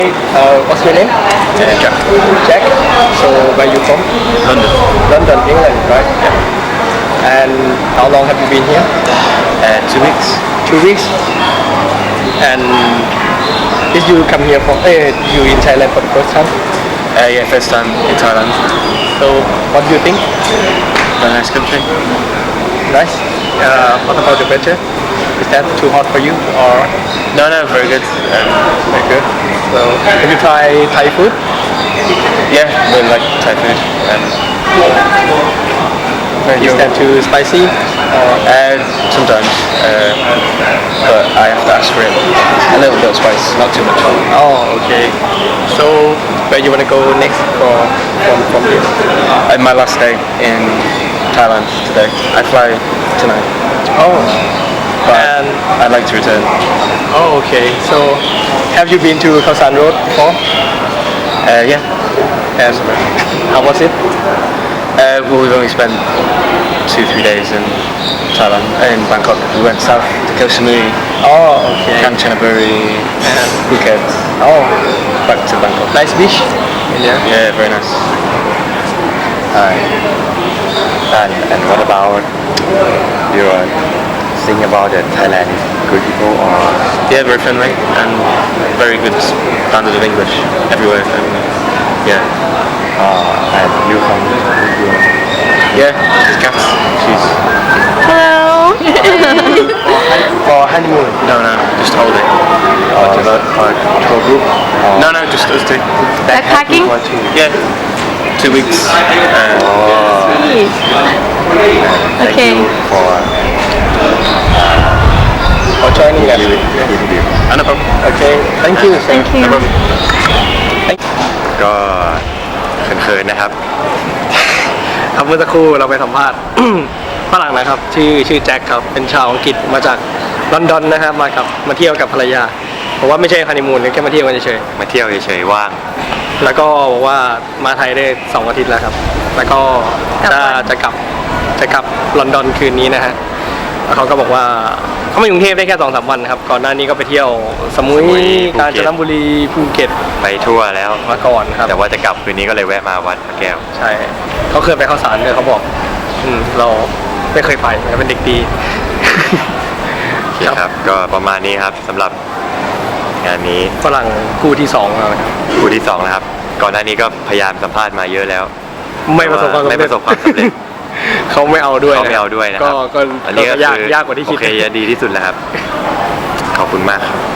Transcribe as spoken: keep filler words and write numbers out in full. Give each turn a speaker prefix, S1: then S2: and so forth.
S1: Uh, what's your name?
S2: Uh, Jack.
S1: Jack. So where you from?
S2: London.
S1: London, England, right? And how long have you been here?
S2: Uh, two weeks.
S1: Two weeks. And did you come here for? Uh, you in Thailand for the first time?
S2: Uh, yeah, first time in Thailand.
S1: So what do you think?
S2: Very nice country.
S1: Nice. Uh, what about the weather? Is that too hot for you or
S2: No, no, very good. Um,
S1: very good? So have you tried Thai food?
S2: yeah, really like Thai food. Um,
S1: Is that too spicy? Or
S2: uh, sometimes, uh, but I have to ask for it. A little bit of spice, not too much.
S1: oh, okay. So where you wanna go next for from from here?
S2: And my last day in Thailand today. I fly tonight,
S1: Oh,
S2: but
S1: and
S2: I'd like to return.
S1: oh, okay. So have you been to Khao San Road before?
S2: Uh, yeah.
S1: And how was it?
S2: Uh, well, we've only spent two, three days in Thailand, uh, in Bangkok. We went south to Koh Samui,
S1: Oh, okay.
S2: Kanchanaburi,
S1: And
S2: Phuket,
S1: oh,
S2: back to Bangkok.
S1: nice beach. Yeah.
S2: Yeah, very nice.
S3: Hi. And, and what about your thing about the Thailand is good people or
S2: Yeah, very friendly and very good standard of English everywhere. And yeah,
S3: uh, and you come with your
S2: yeah, Kat, she's
S4: Hello.
S1: For honeymoon.
S2: no, no, just hold it.
S3: or, or tour group or
S2: No, no, just us two.
S4: Backpacking?
S3: or two?
S2: Yeah, two weeks. Uh,
S4: Jeez.
S3: Thank
S4: Okay.
S3: you for
S1: For joining us.
S3: interview.
S2: and no problem.
S1: Okay. Thank you.
S4: Thank you.
S2: No problem.
S3: ก็เขินๆนะครับ
S1: ครับเมื่อสักครู่เราไปสัมภาษณ์ ฝรั่งนะครับชื่อชื่อแจ็คครับเป็นชาวอังกฤษมาจากลอนดอนนะครับมากับมาเที่ยวกับภรรยาผมว่าไม่ใช่ฮันนีมูนแค่มาเที่ยวกันเฉย
S3: มาเที่ยวเฉยๆว่าง
S1: ๆแล้วก็บอกว่ามาไทยได้สองอาทิตย์แล้วครับ แล้วก็จะจะกลับจะกลับลอนดอนคืนนี้นะฮะแล้วเขาก็บอกว่าเขามากรุงเทพได้แค่สองสามวันครับก่อนหน้านี้ก็ไปเที่ยวสมุยกาญจนบุรีภูเก็ต
S3: ไปทั่วแล้ว
S1: มาก่อนครับ
S3: แต่ว่าจะกลับคืนนี้ก็เลยแวะมาวัดพระแก้ว
S1: ใช่เขาเคยไปข้าวสารด้วยเขาบอก อืมเราไม่เคยไปเราเป็นเด็กดี
S3: โอเคครับ ก็ประมาณนี้ครับสำหรับงานนี้
S1: ฝรั่งคู่ที่สองแล้วนะครับ
S3: คู่ที่สองแล้วครับ ก่อนหน้านี้ก็พยายามสัมภาษณ์มาเยอะแล้ว
S1: ไม่ประสบความสำเร็จ
S3: ไม่ประสบความสำเร็จ
S1: เขาไม่เอาด้วย
S3: เขาไม่เอาด้วยนะครับ
S1: ก็ก็
S3: อันนี้ก็
S1: ก็ยาก
S3: คือย
S1: ากกว่าที่
S3: โอ
S1: คิด
S3: เคดีที่สุดแล้วครับ ขอบคุณมากครับ